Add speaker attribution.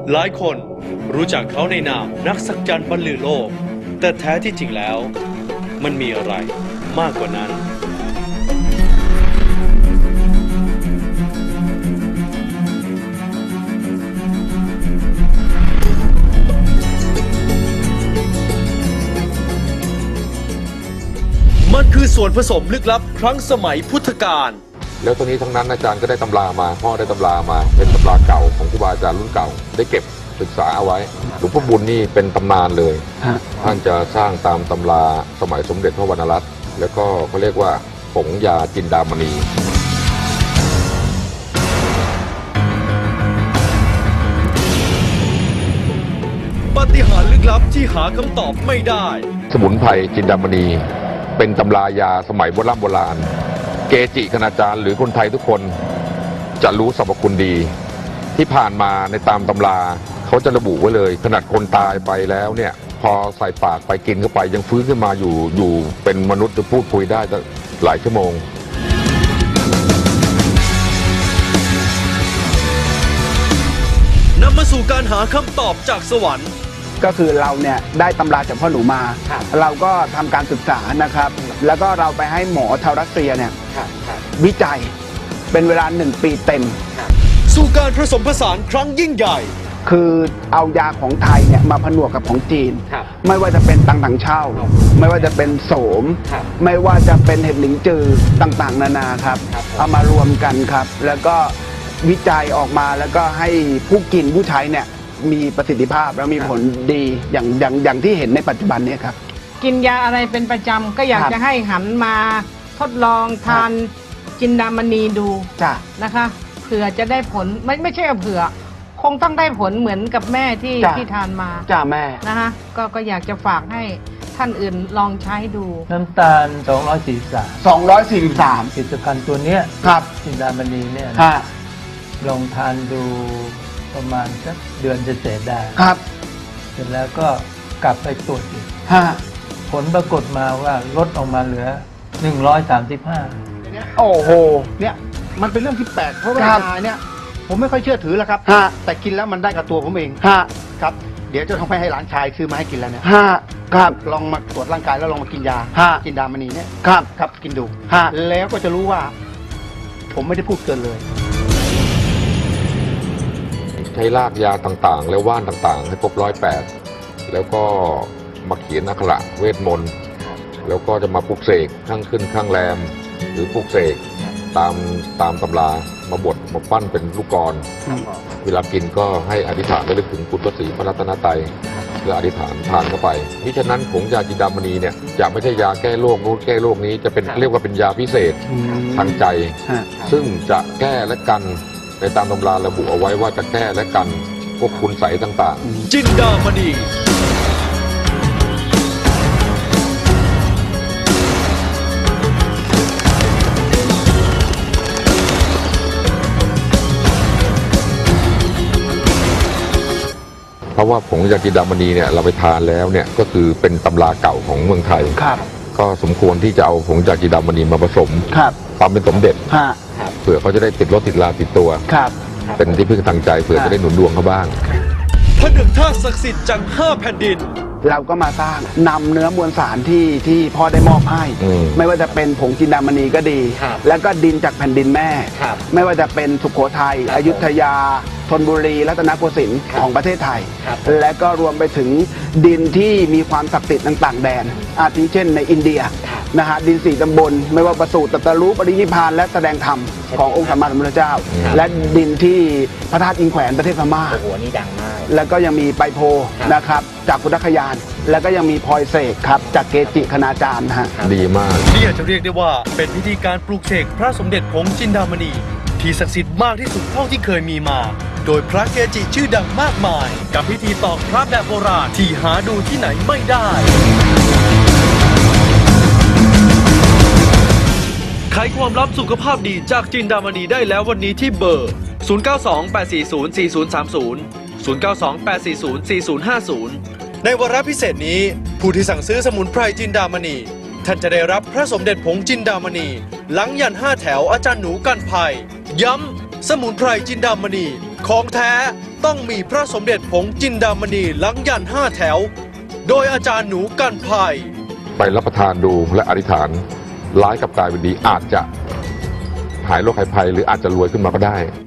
Speaker 1: หลายคนรู้จักเขาในนามนักสักยันต์บรรลือโลกแต่แท้ที่จริงแล้วมันมีอะไรมากกว่านั้นมันคือส่วนผสมลึกลับครั้งสมัยพุทธกาล
Speaker 2: แล้วตอนนี้ทั้งนั้นอาจารย์ก็ได้ตำรามาพ่อได้ตำรามาเป็นตำราเก่าของครูบาอาจารย์รุ่นเก่าได้เก็บศึกษาเอาไว้หลวงพ่อบุญนี่เป็นตำนานเลยท่านจะสร้างตามตำราสมัยสมเด็จพระวรรณรัตน์แล้วก็เขาเรียกว่าผงยาจินดามณี
Speaker 1: ปาฏิหาริย์ลึกลับที่หาคำตอบไม่ได้
Speaker 2: สมุนไพรจินดามณีเป็นตำรายาสมัยโบราณเกจิคณาจารย์หรือคนไทยทุกคนจะรู้สรรพคุณดีที่ผ่านมาในตามตำราเขาจะระบุไว้เลยขนาดคนตายไปแล้วเนี่ยพอใส่ปากไปกินเข้าไปยังฟื้นขึ้นมาอยู่เป็นมนุษย์จะพูดคุยได้หลายชั่วโมง
Speaker 1: นำมาสู่การหาคำตอบจากสวรรค์
Speaker 3: ก็คือเราเนี่ยได้ตำราจากพ่อหนูมาเราก็ทำการศึกษานะครับแล้วก็เราไปให้หมอชาวรัสเซียเนี่ยวิจัยเป็นเวลา1 ปีเต็ม
Speaker 1: สู่การผสมผสานครั้งยิ่งใหญ่
Speaker 3: คือเอายาของไทยเนี่ยมาผนวกกับของจีนไม่ว่าจะเป็นตังถังเช่าไม่ว่าจะเป็นโสมไม่ว่าจะเป็นเห็ดหลิงจือต่างๆนานาครับเอามารวมกันครับแล้วก็วิจัยออกมาแล้วก็ให้ผู้กินผู้ใช้เนี่ยมีประสิทธิภาพและมีผลดีอย่างที่เห็นในปัจจุบันนี้ครับ
Speaker 4: กินยาอะไรเป็นประจำก็อยากจะให้หันมาทดลองทานจินดามณีดูนะคะเผื่อจะได้ผลไม่ใช่เผื่อคงต้องได้ผลเหมือนกับแม่ที่ทานมา
Speaker 3: แม่
Speaker 4: นะคะก็อยากจะฝากให้ท่านอื่นลองใช้ดู
Speaker 5: น้ำตาล243ผลิตภัณฑ์ตัวนี้
Speaker 3: ครับ
Speaker 5: จินดามณีเนี่ยลองทานดูประมาณสักเดือนเศษได้
Speaker 3: ครับ
Speaker 5: เสร็จแล้วก็กลับไปตรวจอีกผลปรากฏมาว่าลดออกมาเหลือ135
Speaker 6: โอ้โหเนี่ยมันเป็นเรื่องที่แปลกเพราะว่ายาเนี่ยผมไม่ค่อยเชื่อถือแล้วครับแต่กินแล้วมันได้กับตัวผมเองครับเดี๋ยวจะต้องไปให้หลานชายซื้อมาให้กินแล้วเนี่ย
Speaker 3: ครับ
Speaker 6: ลองมาตรวจร่างกายแล้วลองมากินยากินดามณีเนี่ยครับกินดูแล้วก็จะรู้ว่าผมไม่ได้พูดเกินเลย
Speaker 2: ใช้รากยาต่างๆและว่านต่างๆให้ครบ108แล้วก็มาเขียนอักขระเวทมนต์แล้วก็จะมาปลุกเสกข้างขึ้นข้างแรมหรือปลุกเสกตามตำรามาบดมาปั้นเป็นลูกกลเวลากินก็ให้อธิษฐานระลึกถึงคุณพระศรีพระรัตนตรัยเพื่ออธิษฐานทานเข้าไปมิฉะนั้นผงยาจินดามณีเนี่ยจะไม่ใช่ยาแก้โรคนู้นแก้โรคนี้จะเป็นเรียกว่าเป็นยาพิเศษทางใจซึ่งจะแก้และกันในตามตำราระบุเอาไว้ว่าจะแก้และกันพวกคุณใสต่าง
Speaker 1: ๆจินดามณี
Speaker 2: เพราะว่าผงยาจินดามณีเนี่ยเราไปทานแล้วเนี่ยก็คือเป็นตำราเก่าของเมืองไทยก็สมควรที่จะเอาผงยาจินดามณีมาผสมความเป็นสมเด็จเผื่อเขาจะได้ติดรถติดลาติดตัวเป็นที่พึ่งทางใจเผื่อจะได้หนุนดวงเขาบ้าง
Speaker 1: ผนึกธาตุศักดิ์สิทธิ์จาก5 แผ่นดิน
Speaker 3: เราก็มาสร้างนำเนื้อมวลสารที่พ่อได้มอบให้ไม่ว่าจะเป็นผงจินดามณีก็ดีแล้วก็ดินจากแผ่นดินแม่ไม่ว่าจะเป็นสุโขทัยอยุธยาธนบุรีรัตนโกสินทร์ของประเทศไทยและก็รวมไปถึงดินที่มีความศักดิ์สิทธิ์ต่างๆแดนอาทิเช่นในอินเดียนะฮะดิน4 ตำบลไม่ว่าประสูติตรัสรู้ปรินิพพานและแสดงธรรมขององค์สัมมาสัมพุทธเจ้าและดินที่พระธาตุอินแขวนประเทศพม่า
Speaker 6: โอ้โหนี่ดังมาก
Speaker 3: แล้วก็ยังมีไปโพนะครับจากพุทธคยานแล้วก็ยังมีพลอยเสกครับจากเกจิคณาจารย์ฮะ
Speaker 2: ดีมาก
Speaker 1: นี่อาจจะเรียกได้ว่าเป็นพิธีการปลูกเสกพระสมเด็จผงจินดามณีที่ศักดิ์สิทธิ์มากที่สุดเท่าที่เคยมีมาโดยพระเกจิชื่อดังมากมายกับพิธีตอกพระแบบโบราณที่หาดูที่ไหนไม่ได้ไขความลับสุขภาพดีจากจินดามณีได้แล้ววันนี้ที่เบอร์ 0928404030 0928404050 ในวาระพิเศษนี้ผู้ที่สั่งซื้อสมุนไพรจินดามณีท่านจะได้รับพระสมเด็จผงจินดามณีหลังยัน5 แถวอาจารย์หนูกันภัยย้ำสมุนไพรจินดามณีของแท้ต้องมีพระสมเด็จผงจินดามณีลังยัน5 แถว โดยอาจารย์หนูกันภัย
Speaker 2: ไปรับประทานดูและอธิษฐานร้ายกับกลายเป็นดีอาจจะหายโรคหายภัยหรืออาจจะรวยขึ้นมาก็ได้